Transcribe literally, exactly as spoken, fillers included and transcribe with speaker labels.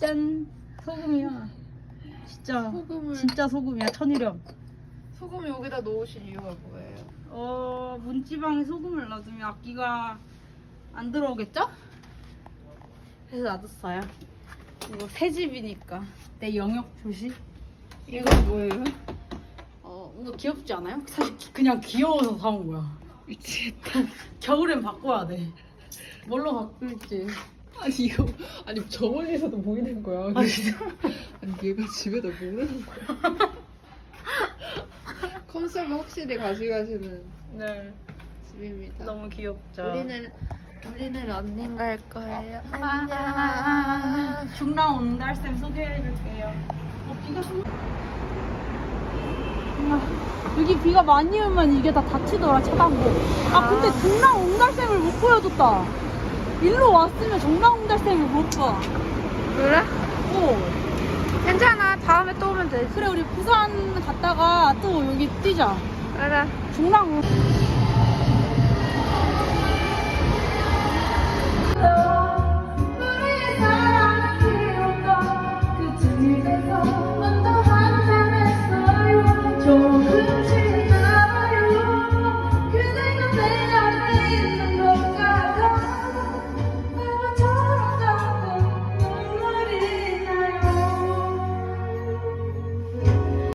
Speaker 1: 짠 소금이야. 진짜
Speaker 2: 소금을
Speaker 1: 진짜 소금이야. 천일염.
Speaker 2: 소금 여기다 넣으신 이유가 뭐예요?
Speaker 1: 어 문지방에 소금을 넣어두면 악기가 안 들어오겠죠? 그래서 놔뒀어요. 이거 새 집이니까 내 영역 표시.
Speaker 2: 이건 뭐예요?
Speaker 1: 어 뭔가 귀엽지 않아요? 사실 기- 그냥 귀여워서 사온 거야.
Speaker 2: 미치겠다.
Speaker 1: 겨울엔 바꿔야 돼. 뭘로 바꿀지.
Speaker 2: 아니 이거 아니 저 멀리서도 보이는 거야.
Speaker 1: 아 진짜?
Speaker 2: 아니 얘가 집에다 모르는 거야. 컨셉을 확실히 가져가시는
Speaker 1: 네.
Speaker 2: 집입니다.
Speaker 1: 너무 귀엽죠.
Speaker 2: 우리는 우리는 런닝 갈 거예요.
Speaker 1: 아,
Speaker 2: 안녕.
Speaker 1: 중랑 온달샘 소개해줄게요. 어, 비가 좀... 아, 여기 비가 많이 오면 이게 다 닫히더라, 차단고. 아, 근데 중랑 온달샘을 못 보여줬다. 일로 왔으면 중랑 온달샘을 못 봐.
Speaker 2: 그래?
Speaker 1: 어.
Speaker 2: 괜찮아. 다음에 또 오면 되지.
Speaker 1: 그래, 우리 부산 갔다가 또 여기 뛰자.
Speaker 2: 그래.
Speaker 1: 중랑 온... 우리의 사랑이 온다 그 틈을 대서